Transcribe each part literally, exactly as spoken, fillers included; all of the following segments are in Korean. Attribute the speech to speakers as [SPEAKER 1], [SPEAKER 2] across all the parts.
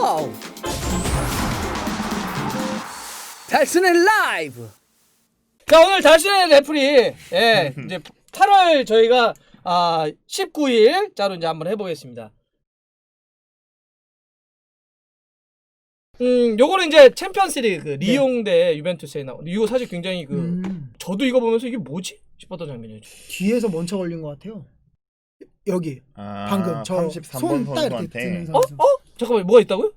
[SPEAKER 1] 고! 달순의 라이브. 자, 오늘 달순의 레프리, 예, 이제 팔월 저희가 아 십구 일자로 이제 한번 해보겠습니다. 음, 요거는 이제 챔피언스리그 그 리옹 대 유벤투스에 나온. 이거 사실 굉장히 그
[SPEAKER 2] 음.
[SPEAKER 1] 저도 이거 보면서 이게 뭐지 싶었던 장면이에요.
[SPEAKER 2] 뒤에서 먼저 걸린 것 같아요. 여기
[SPEAKER 3] 아,
[SPEAKER 2] 방금 저
[SPEAKER 3] 삼십삼 번
[SPEAKER 2] 손 딱 이렇게
[SPEAKER 3] 선수한테
[SPEAKER 2] 드는
[SPEAKER 1] 어?
[SPEAKER 2] 선수.
[SPEAKER 1] 어? 잠깐만, 뭐가 있다고요?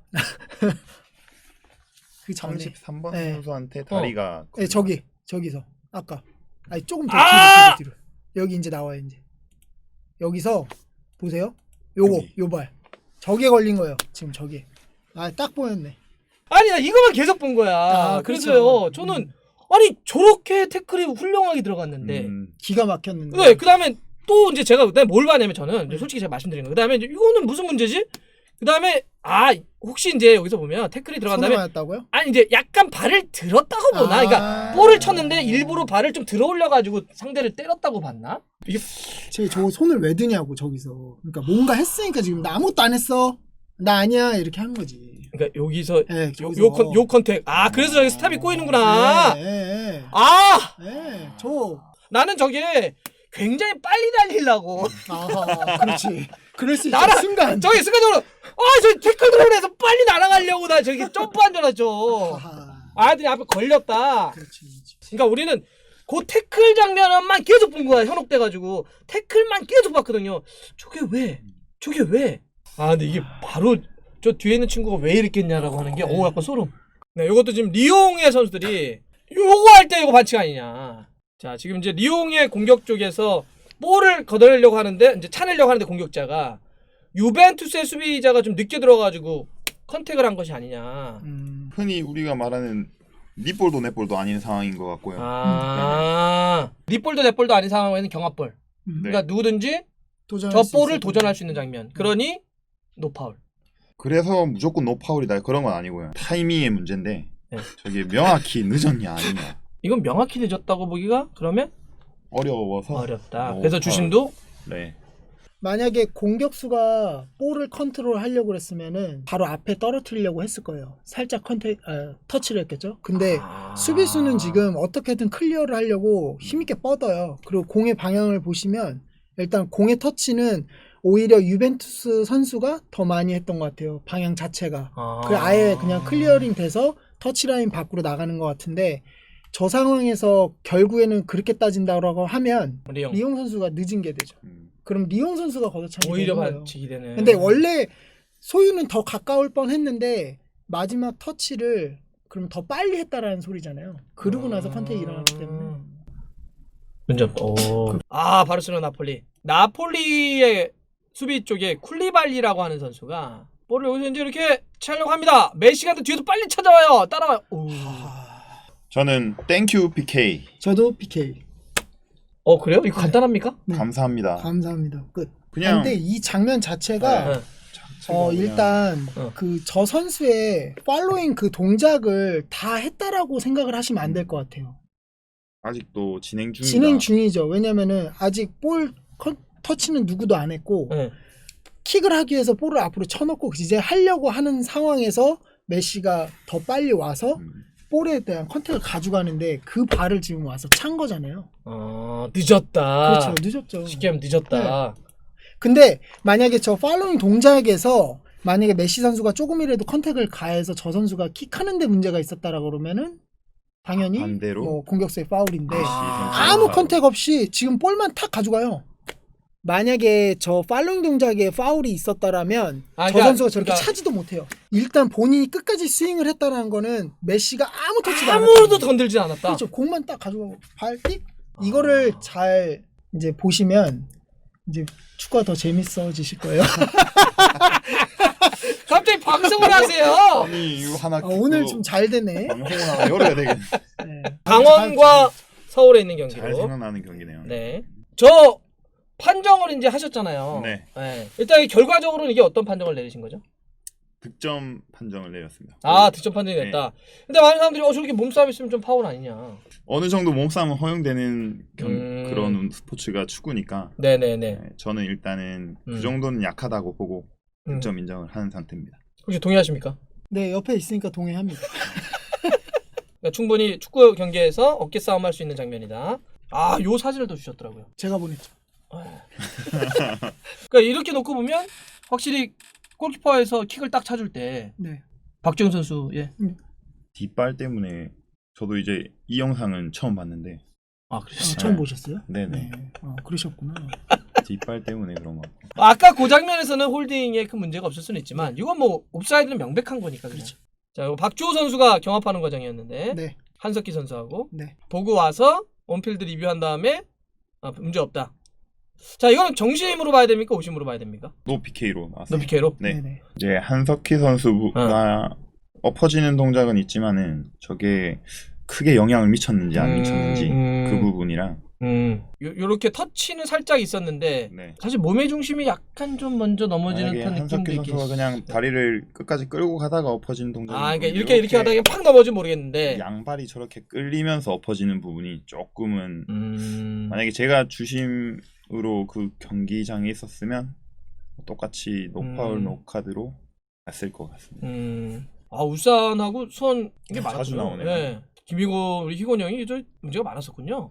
[SPEAKER 2] 그 전에.
[SPEAKER 3] 삼십삼 번
[SPEAKER 2] 네.
[SPEAKER 3] 선수한테 다리가
[SPEAKER 2] 네, 저기 저기서 아까 아니 조금 더
[SPEAKER 1] 아!
[SPEAKER 2] 뒤로, 뒤로 뒤로 여기 이제 나와요. 이제 여기서 보세요. 요거
[SPEAKER 3] 여기.
[SPEAKER 2] 요발 저기에 걸린 거예요. 지금 저기 아 딱 보였네.
[SPEAKER 1] 아니, 나 이거만 계속 본 거야.
[SPEAKER 2] 아,
[SPEAKER 1] 그래서요,
[SPEAKER 2] 그렇죠.
[SPEAKER 1] 저는
[SPEAKER 2] 음.
[SPEAKER 1] 아니 저렇게 태클이 훌륭하게 들어갔는데,
[SPEAKER 3] 음,
[SPEAKER 2] 기가 막혔는데.
[SPEAKER 1] 네, 그 다음에 또 이제 제가 그다음에 뭘 봤냐면 저는 이제 솔직히 제가 말씀드린 거. 그 다음에 이거는 무슨 문제지? 그 다음에 아 혹시 이제 여기서 보면 태클이 들어간
[SPEAKER 2] 손에
[SPEAKER 1] 다음에
[SPEAKER 2] 맞았다고요?
[SPEAKER 1] 아니 이제 약간 발을 들었다고 보나?
[SPEAKER 2] 아.
[SPEAKER 1] 그러니까 볼을 쳤는데 일부러 발을 좀 들어 올려가지고 상대를 때렸다고 봤나? 이게
[SPEAKER 2] 제 저 손을 왜 드냐고 저기서. 그러니까 뭔가 했으니까 지금 나 아무것도 안 했어. 나 아니야 이렇게 한 거지.
[SPEAKER 1] 그러니까 여기서
[SPEAKER 2] 네,
[SPEAKER 1] 요,
[SPEAKER 2] 저기서.
[SPEAKER 1] 요, 컨, 요 컨택 아 그래서 저기 스탑이 꼬이는구나.
[SPEAKER 2] 네, 네,
[SPEAKER 1] 아
[SPEAKER 2] 네. 저
[SPEAKER 1] 나는 저게 굉장히 빨리 달리려고
[SPEAKER 2] 아하 그렇지. 그럴 수 있죠.
[SPEAKER 1] 날아-
[SPEAKER 2] 순간.
[SPEAKER 1] 저기 순간적으로 아저 태클 들어오면서 빨리 날아가려고 나 저기 점프한 줄 알았죠.
[SPEAKER 2] 아하.
[SPEAKER 1] 아들이 앞에 걸렸다.
[SPEAKER 2] 그렇지. 그렇지.
[SPEAKER 1] 그러니까 우리는 그 태클 장면만 계속 본 거야. 현혹돼가지고 태클만 계속 봤거든요. 저게 왜? 저게 왜? 아 근데 이게 바로 저 뒤에 있는 친구가 왜 이랬겠냐라고 하는 게 오 약간 소름. 네, 이것도 지금 리옹의 선수들이 요거 할 때 이거 반칙 아니냐. 자 지금 이제 리옹의 공격 쪽에서 볼을 걷어내려고 하는데 이제 차내려고 하는데 공격자가 유벤투스의 수비자가 좀 늦게 들어가지고 컨택을 한 것이 아니냐.
[SPEAKER 2] 음.
[SPEAKER 3] 흔히 우리가 말하는 니볼도 넷볼도 아닌 상황인 것 같고요.
[SPEAKER 1] 아, 립볼도 넷볼도 아닌 상황에는 경합볼.
[SPEAKER 2] 음.
[SPEAKER 3] 네.
[SPEAKER 1] 그러니까 누구든지
[SPEAKER 2] 도전할
[SPEAKER 1] 저
[SPEAKER 2] 수
[SPEAKER 1] 볼을
[SPEAKER 2] 있었던
[SPEAKER 1] 도전할
[SPEAKER 2] 거지.
[SPEAKER 1] 수 있는 장면. 그러니 노파울.
[SPEAKER 3] 그래서 무조건 노파울이다 그런 건 아니고요. 타이밍의 문제인데
[SPEAKER 1] 네.
[SPEAKER 3] 저게 명확히 늦었냐 아니냐
[SPEAKER 1] 이건 명확히 늦었다고 보기가 그러면
[SPEAKER 3] 어려워서
[SPEAKER 1] 어렵다.
[SPEAKER 3] 노
[SPEAKER 1] 그래서
[SPEAKER 3] 파울.
[SPEAKER 1] 주심도
[SPEAKER 3] 네.
[SPEAKER 2] 만약에 공격수가 볼을 컨트롤 하려고 그랬으면은 바로 앞에 떨어뜨리려고 했을 거예요. 살짝 컨택 아, 터치를 했겠죠. 근데
[SPEAKER 1] 아...
[SPEAKER 2] 수비수는 지금 어떻게든 클리어를 하려고 힘있게 뻗어요. 그리고 공의 방향을 보시면 일단 공의 터치는 오히려 유벤투스 선수가 더 많이 했던 것 같아요. 방향 자체가.
[SPEAKER 1] 아...
[SPEAKER 2] 그 아예 그냥 클리어링 돼서 터치라인 밖으로 나가는 것 같은데 저 상황에서 결국에는 그렇게 따진다고 하면
[SPEAKER 1] 리옹.
[SPEAKER 2] 리옹 선수가 늦은 게 되죠.
[SPEAKER 3] 음.
[SPEAKER 2] 그럼 리옹 선수가 걷어차기
[SPEAKER 1] 오히려
[SPEAKER 2] 되는 거예요.
[SPEAKER 1] 반칙이 되네.
[SPEAKER 2] 근데 원래 소유는 더 가까울 뻔했는데 마지막 터치를 그럼 더 빨리 했다라는 소리잖아요. 그러고 나서 컨택이 일어났기 때문에.
[SPEAKER 1] 문제 없다. 오. 아 바르셀로나 나폴리. 나폴리의 수비 쪽에 쿨리발리라고 하는 선수가 볼을 여기서 이제 이렇게 차려고 합니다. 메시가 뒤에서 빨리 찾아와요. 따라와요. 오.
[SPEAKER 3] 저는 땡큐 피케이
[SPEAKER 2] 저도 피케이.
[SPEAKER 1] 어 그래요? 이거 간단합니까?
[SPEAKER 2] 네.
[SPEAKER 3] 감사합니다.
[SPEAKER 2] 감사합니다. 끝.
[SPEAKER 3] 그냥
[SPEAKER 2] 근데 이 장면 자체가
[SPEAKER 1] 네.
[SPEAKER 2] 어
[SPEAKER 3] 그냥
[SPEAKER 2] 일단
[SPEAKER 1] 어.
[SPEAKER 2] 그 저 선수의 팔로잉 그 동작을 다 했다라고 생각을 하시면 안 될 것 같아요.
[SPEAKER 3] 아직도 진행 중이다.
[SPEAKER 2] 진행 중이죠. 왜냐면은 아직 볼 컨- 터치는 누구도 안 했고
[SPEAKER 1] 네.
[SPEAKER 2] 킥을 하기 위해서 볼을 앞으로 쳐놓고 이제 하려고 하는 상황에서 메시가 더 빨리 와서
[SPEAKER 3] 음.
[SPEAKER 2] 볼에 대한 컨택을 가져가는데 그 발을 지금 와서 찬 거잖아요.
[SPEAKER 1] 어 늦었다.
[SPEAKER 2] 그렇죠. 늦었죠.
[SPEAKER 1] 쉽게 하면 늦었다.
[SPEAKER 2] 근데 만약에 저 팔로잉 동작에서 만약에 메시 선수가 조금이라도 컨택을 가해서 저 선수가 킥하는 데 문제가 있었다라고 그러면은 당연히
[SPEAKER 3] 반대로?
[SPEAKER 2] 뭐 공격수의 파울인데
[SPEAKER 1] 아.
[SPEAKER 2] 아무 컨택 없이 지금 볼만 탁 가져가요. 만약에 저 팔로잉 동작에 파울이 있었다라면
[SPEAKER 1] 아,
[SPEAKER 2] 저
[SPEAKER 1] 그러니까-
[SPEAKER 2] 선수가 저렇게
[SPEAKER 1] 그러니까-
[SPEAKER 2] 차지도 못해요. 일단 본인이 끝까지 스윙을 했다는 거는 메시가 아무 터치도 안
[SPEAKER 1] 아무도
[SPEAKER 2] 했다는 거예요.
[SPEAKER 1] 건들지 않았다.
[SPEAKER 2] 그렇죠. 공만 딱 가져가고 발띡 이거를
[SPEAKER 1] 아.
[SPEAKER 2] 잘 이제 보시면 이제 축구가 더 재밌어지실 거예요.
[SPEAKER 1] 갑자기 방송을 하세요.
[SPEAKER 3] 아니 이거 하나
[SPEAKER 2] 아, 오늘
[SPEAKER 3] 그
[SPEAKER 2] 좀 잘 되네.
[SPEAKER 3] 방송을 하나 열어야 되겠네.
[SPEAKER 2] 네.
[SPEAKER 1] 강원과 서울에 있는
[SPEAKER 3] 잘
[SPEAKER 1] 경기로.
[SPEAKER 3] 생각나는 경기네요.
[SPEAKER 1] 네. 저 판정을 이제 하셨잖아요.
[SPEAKER 3] 네.
[SPEAKER 1] 네. 일단 결과적으로는 이게 어떤 판정을 내리신 거죠?
[SPEAKER 3] 득점 판정을 내렸습니다.
[SPEAKER 1] 아, 득점 판정이
[SPEAKER 3] 네.
[SPEAKER 1] 됐다. 근데 많은 사람들이 어 저렇게 몸싸움 있으면 좀 파울 아니냐.
[SPEAKER 3] 어느 정도 몸싸움은 허용되는 경,
[SPEAKER 1] 음.
[SPEAKER 3] 그런 스포츠가 축구니까
[SPEAKER 1] 네네네.
[SPEAKER 3] 네, 저는 일단은
[SPEAKER 1] 음.
[SPEAKER 3] 그 정도는 약하다고 보고
[SPEAKER 1] 음.
[SPEAKER 3] 득점 인정을 하는 상태입니다.
[SPEAKER 1] 혹시 동의하십니까?
[SPEAKER 2] 네, 옆에 있으니까 동의합니다.
[SPEAKER 1] 그러니까 충분히 축구 경기에서 어깨 싸움할 수 있는 장면이다. 아, 요 사진을 또 주셨더라고요.
[SPEAKER 2] 제가 보냈죠.
[SPEAKER 1] 그러니까 이렇게 놓고 보면 확실히 골키퍼에서 킥을 딱 차줄 때
[SPEAKER 2] 네.
[SPEAKER 1] 박지훈 선수 예.
[SPEAKER 3] 뒷발 때문에 저도 이제 이 영상은 처음 봤는데
[SPEAKER 1] 아,
[SPEAKER 2] 아,
[SPEAKER 1] 그랬어요.
[SPEAKER 2] 처음 보셨어요?
[SPEAKER 3] 네네
[SPEAKER 2] 네. 아, 그러셨구나.
[SPEAKER 3] 뒷발 때문에 그런 것 같아요.
[SPEAKER 1] 아까 그 장면에서는 홀딩에 큰 문제가 없을 수는 있지만 이건 뭐 옵사이드는 명백한 거니까 그냥.
[SPEAKER 2] 그렇죠.
[SPEAKER 1] 자, 이거 박주호 선수가 경합하는 과정이었는데
[SPEAKER 2] 네.
[SPEAKER 1] 한석기 선수하고
[SPEAKER 2] 네.
[SPEAKER 1] 보고 와서 온필드 리뷰한 다음에 아, 문제 없다. 자, 이거는 정심으로 봐야 됩니까? 오심으로 봐야 됩니까?
[SPEAKER 3] 노 피케이로 나왔어요.
[SPEAKER 1] 너 피케로?
[SPEAKER 3] 네.
[SPEAKER 2] 네네.
[SPEAKER 3] 이제 한석희 선수가 엎어지는 동작은 있지만은 저게 크게 영향을 미쳤는지 안
[SPEAKER 1] 음,
[SPEAKER 3] 미쳤는지
[SPEAKER 1] 음.
[SPEAKER 3] 그 부분이랑
[SPEAKER 1] 음. 요, 요렇게 터치는 살짝 있었는데
[SPEAKER 3] 네.
[SPEAKER 1] 사실 몸의 중심이 약간 좀 먼저 넘어지는
[SPEAKER 3] 만약에
[SPEAKER 1] 듯한 느낌도
[SPEAKER 3] 한석희
[SPEAKER 1] 있긴
[SPEAKER 3] 선수가 그냥 다리를 끝까지 끌고 가다가 엎어지는 동작이
[SPEAKER 1] 아, 그러니까 이렇게 이렇게 하다가 팍 넘어지면 모르겠는데.
[SPEAKER 3] 양발이 저렇게 끌리면서 엎어지는 부분이 조금은
[SPEAKER 1] 음.
[SPEAKER 3] 만약에 제가 주심으로 그 경기장에 있었으면 똑같이 노파울
[SPEAKER 1] 음.
[SPEAKER 3] 노카드로 갔을 것 같습니다.
[SPEAKER 1] 음. 아, 울산하고 수원 이게
[SPEAKER 3] 아, 자주
[SPEAKER 1] 많았군요.
[SPEAKER 3] 나오네요.
[SPEAKER 1] 예. 김희곤 우리 희곤 형이 저 문제가 많았었군요.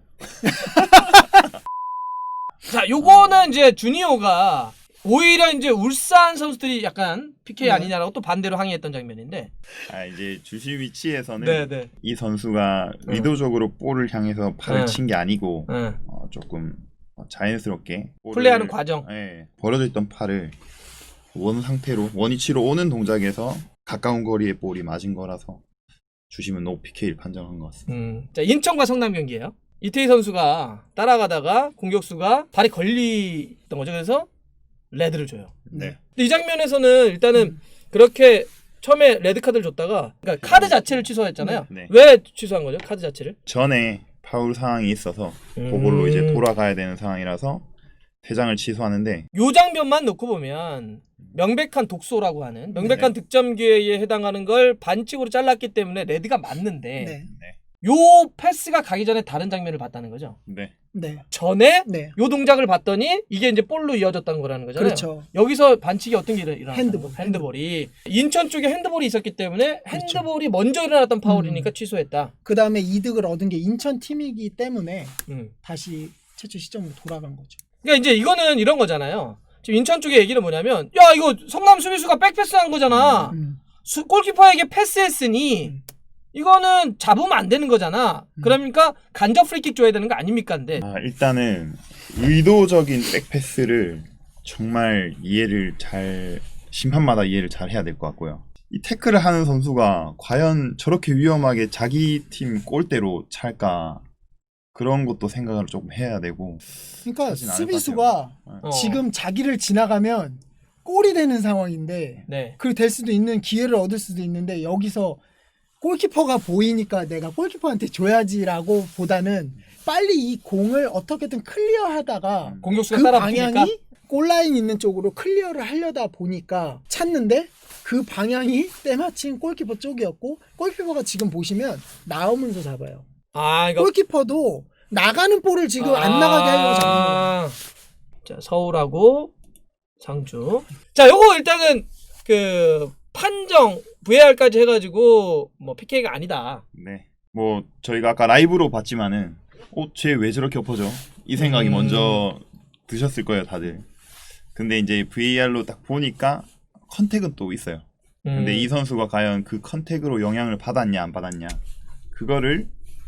[SPEAKER 1] 자, 요거는 이제 주니어가 오히려 이제 울산 선수들이 약간 피케이
[SPEAKER 2] 네.
[SPEAKER 1] 아니냐라고 또 반대로 항의했던 장면인데.
[SPEAKER 3] 아 이제 주심 위치에서는
[SPEAKER 1] 네, 네.
[SPEAKER 3] 이 선수가
[SPEAKER 1] 응.
[SPEAKER 3] 의도적으로 볼을 향해서 팔을
[SPEAKER 1] 응.
[SPEAKER 3] 친 게 아니고
[SPEAKER 1] 응.
[SPEAKER 3] 어, 조금 자연스럽게 볼을-
[SPEAKER 1] 플레이하는 과정.
[SPEAKER 3] 예, 벌어져 있던 팔을 원 상태로 원위치로 오는 동작에서 가까운 거리에 볼이 맞은 거라서 주심은 노 피케이를 판정한 것 같습니다.
[SPEAKER 1] 음. 자, 인천과 성남 경기예요. 이태희 선수가 따라가다가 공격수가 발이 걸리던 거죠. 그래서 레드를 줘요.
[SPEAKER 3] 네.
[SPEAKER 1] 근데 이 장면에서는 일단은
[SPEAKER 2] 음.
[SPEAKER 1] 그렇게 처음에 레드 카드를 줬다가 그러니까 카드 자체를 취소했잖아요.
[SPEAKER 3] 네.
[SPEAKER 1] 왜 취소한 거죠? 카드 자체를?
[SPEAKER 3] 전에 파울 상황이 있어서
[SPEAKER 1] 음.
[SPEAKER 3] 그걸로 이제 돌아가야 되는 상황이라서 세 장을 취소하는데
[SPEAKER 1] 요 장면만 놓고 보면 명백한 독소라고 하는 명백한 득점 기회에 해당하는 걸 반칙으로 잘랐기 때문에 레드가 맞는데
[SPEAKER 2] 네.
[SPEAKER 1] 요 패스가 가기 전에 다른 장면을 봤다는 거죠.
[SPEAKER 3] 네.
[SPEAKER 2] 네.
[SPEAKER 1] 전에
[SPEAKER 2] 네.
[SPEAKER 1] 요 동작을 봤더니 이게 이제 볼로 이어졌다는 거라는 거잖아요.
[SPEAKER 2] 그렇죠.
[SPEAKER 1] 여기서 반칙이 어떤 게 일어났어요?
[SPEAKER 2] 핸드볼.
[SPEAKER 1] 핸드볼이 인천 쪽에 핸드볼이 있었기 때문에 핸드볼이 먼저 일어났던 파울이니까
[SPEAKER 2] 음.
[SPEAKER 1] 취소했다.
[SPEAKER 2] 그 다음에 이득을 얻은 게 인천 팀이기 때문에
[SPEAKER 1] 음.
[SPEAKER 2] 다시 최초 시점으로 돌아간 거죠.
[SPEAKER 1] 그러니까 이제 이거는 이런 거잖아요. 지금 인천 쪽의 얘기는 뭐냐면 야 이거 성남 수비수가 백패스한 거잖아.
[SPEAKER 2] 음.
[SPEAKER 1] 수, 골키퍼에게 패스했으니
[SPEAKER 2] 음.
[SPEAKER 1] 이거는 잡으면 안 되는 거잖아.
[SPEAKER 2] 음.
[SPEAKER 1] 그러니까 간접 프리킥 줘야 되는 거 아닙니까? 근데
[SPEAKER 3] 아, 일단은 의도적인 백패스를 정말 이해를 잘 심판마다 이해를 잘 해야 될 것 같고요. 이 태클을 하는 선수가 과연 저렇게 위험하게 자기 팀 골대로 찰까 그런 것도 생각을 조금 해야 되고
[SPEAKER 2] 그러니까
[SPEAKER 3] 하진 않을 것
[SPEAKER 2] 수비수가
[SPEAKER 1] 어.
[SPEAKER 2] 지금 자기를 지나가면 골이 되는 상황인데
[SPEAKER 1] 네.
[SPEAKER 2] 그 될 수도 있는 기회를 얻을 수도 있는데 여기서 골키퍼가 보이니까 내가 골키퍼한테 줘야지라고 보다는 빨리 이 공을 어떻게든 클리어하다가
[SPEAKER 1] 공격수가
[SPEAKER 2] 그
[SPEAKER 1] 따라 붙으니까
[SPEAKER 2] 방향이 골라인 있는 쪽으로 클리어를 하려다 보니까 찾는데 그 방향이 때마침 골키퍼 쪽이었고 골키퍼가 지금 보시면 나오면서 잡아요.
[SPEAKER 1] 아 이거
[SPEAKER 2] 골키퍼도 나가는 볼을 지금 안 나가게 하려고 잡는 거예요.
[SPEAKER 1] 아. 자 서울하고 상주. 자 요거 일단은 그 판정 브이알까지 해가지고 뭐 피케이가 아니다.
[SPEAKER 3] 네. 뭐 저희가 아까 라이브로 봤지만은 어, 쟤 왜 저렇게 엎어져? 이 생각이
[SPEAKER 1] 음.
[SPEAKER 3] 먼저 드셨을 거예요, 다들. 근데 이제 브이알로 딱 보니까 컨택은 또 있어요. 근데
[SPEAKER 1] 음.
[SPEAKER 3] 이 선수가 과연 그 컨택으로 영향을 받았냐 안 받았냐 그거를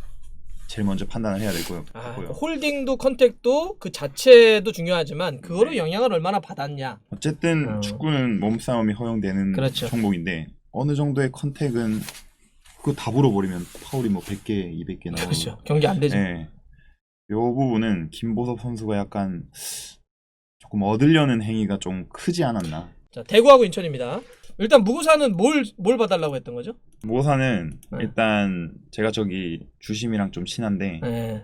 [SPEAKER 3] 제일 먼저 판단을 해야 될 것
[SPEAKER 1] 아,
[SPEAKER 3] 같고요.
[SPEAKER 1] 홀딩도 컨택도 그 자체도 중요하지만 그거로
[SPEAKER 3] 네.
[SPEAKER 1] 영향을 얼마나 받았냐.
[SPEAKER 3] 어쨌든
[SPEAKER 1] 어.
[SPEAKER 3] 축구는 몸싸움이 허용되는
[SPEAKER 1] 그렇죠.
[SPEAKER 3] 종목인데 어느 정도의 컨택은 그거 다 불어버리면 파울이 뭐 백 개, 이백 개 나오고
[SPEAKER 1] 그렇죠. 경기 안 되죠.
[SPEAKER 3] 네. 요 부분은 김보섭 선수가 약간 조금 얻으려는 행위가 좀 크지 않았나.
[SPEAKER 1] 자 대구하고 인천입니다. 일단 무구사는 뭘 뭘 봐달라고 했던 거죠?
[SPEAKER 3] 모사는
[SPEAKER 1] 네.
[SPEAKER 3] 일단 제가 저기 주심이랑 좀 친한데
[SPEAKER 1] 네.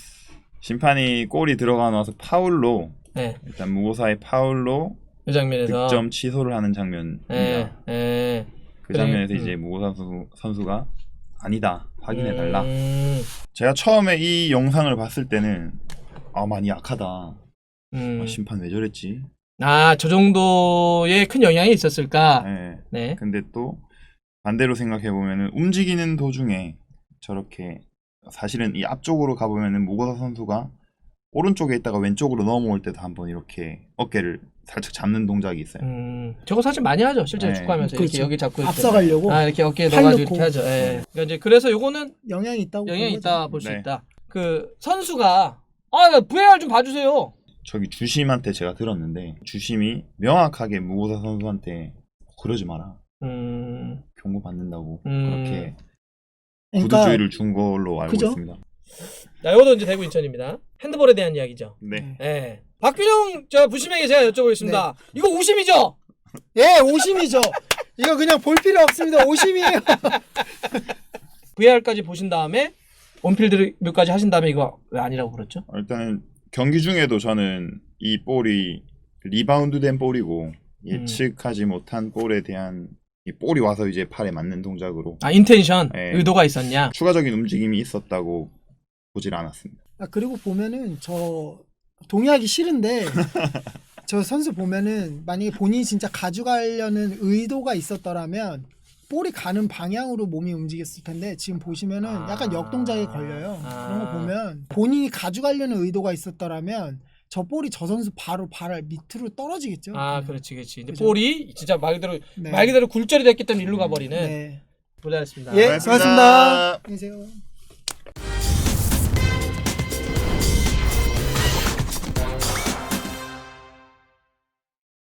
[SPEAKER 3] 심판이 골이 들어가 나서 파울로
[SPEAKER 1] 네.
[SPEAKER 3] 일단 무고사의 파울로
[SPEAKER 1] 이 장면에서.
[SPEAKER 3] 득점 취소를 하는 장면입니다.
[SPEAKER 1] 네. 네.
[SPEAKER 3] 그 장면에서
[SPEAKER 1] 그래,
[SPEAKER 3] 이제
[SPEAKER 1] 음.
[SPEAKER 3] 무고사 선수, 선수가 아니다 확인해 달라.
[SPEAKER 1] 음.
[SPEAKER 3] 제가 처음에 이 영상을 봤을 때는 아 많이 약하다.
[SPEAKER 1] 음.
[SPEAKER 3] 아, 심판 왜 저랬지?
[SPEAKER 1] 아, 저 정도의 큰 영향이 있었을까?
[SPEAKER 3] 네.
[SPEAKER 1] 네.
[SPEAKER 3] 근데 또 반대로 생각해 보면은 움직이는 도중에 저렇게 사실은 이 앞쪽으로 가보면은 무고사 선수가 오른쪽에 있다가 왼쪽으로 넘어올 때도 한번 이렇게 어깨를 살짝 잡는 동작이 있어요.
[SPEAKER 1] 음, 저거 사실 많이 하죠. 실제로
[SPEAKER 3] 네.
[SPEAKER 1] 축구하면서
[SPEAKER 2] 그렇죠.
[SPEAKER 1] 이렇게 여기 잡고 이렇게.
[SPEAKER 2] 앞서가려고
[SPEAKER 1] 아, 이렇게 어깨에
[SPEAKER 2] 팔
[SPEAKER 1] 넣어가지고
[SPEAKER 2] 넣고.
[SPEAKER 1] 이렇게 하죠. 예. 그러니까 이제 그래서 요거는
[SPEAKER 2] 영향이 있다고
[SPEAKER 1] 영향이
[SPEAKER 2] 본 거죠.
[SPEAKER 1] 있다 볼 수
[SPEAKER 3] 네.
[SPEAKER 1] 있다. 그 선수가 아, 브이아르 좀 봐주세요.
[SPEAKER 3] 저기 주심한테 제가 들었는데 주심이 명확하게 무고사 선수한테 그러지 마라.
[SPEAKER 1] 음,
[SPEAKER 3] 경고 받는다고
[SPEAKER 1] 음.
[SPEAKER 3] 그렇게
[SPEAKER 2] 그러니까
[SPEAKER 3] 구두주의를 준 걸로 알고
[SPEAKER 2] 그죠?
[SPEAKER 3] 있습니다.
[SPEAKER 1] 자, 요것도 이제 대구 인천입니다. 핸드볼에 대한 이야기죠.
[SPEAKER 3] 네.
[SPEAKER 1] 예. 박균영 저 부심에게 제가 여쭤보겠습니다. 이거 오심이죠?
[SPEAKER 2] 예, 오심이죠. 이거 그냥 볼 필요 없습니다. 오심이에요.
[SPEAKER 1] 브이아르까지 보신 다음에 온필드 리뷰까지 하신 다음에 이거 왜 아니라고 그랬죠?
[SPEAKER 3] 일단 경기 중에도 저는 이 볼이 리바운드된 볼이고 예측하지 못한 볼에 대한 이 볼이 와서 이제 팔에 맞는 동작으로
[SPEAKER 1] 아, 인텐션,
[SPEAKER 3] 네.
[SPEAKER 1] 의도가 있었냐?
[SPEAKER 3] 추가적인 움직임이 있었다고 보질 않았습니다.
[SPEAKER 2] 아, 그리고 보면은 저 동의하기 싫은데 저 선수 보면은 만약에 본인이 진짜 가져가려는 의도가 있었더라면 볼이 가는 방향으로 몸이 움직였을 텐데 지금 보시면은
[SPEAKER 1] 아.
[SPEAKER 2] 약간 역동작에 걸려요.
[SPEAKER 1] 아.
[SPEAKER 2] 그런 거 보면 본인이 가져가려는 의도가 있었더라면 저 볼이 저 선수 바로 발 밑으로 떨어지겠죠.
[SPEAKER 1] 아,
[SPEAKER 2] 네.
[SPEAKER 1] 그렇지, 그렇지. 근데
[SPEAKER 2] 그죠.
[SPEAKER 1] 볼이 진짜 말 그대로
[SPEAKER 2] 네.
[SPEAKER 1] 말 그대로 굴절이 됐기 때문에 일로 가버리는.
[SPEAKER 2] 네.
[SPEAKER 1] 고생하셨습니다.
[SPEAKER 2] 예,
[SPEAKER 3] 고맙습니다.
[SPEAKER 2] 수고하셨습니다. 안녕히 계세요.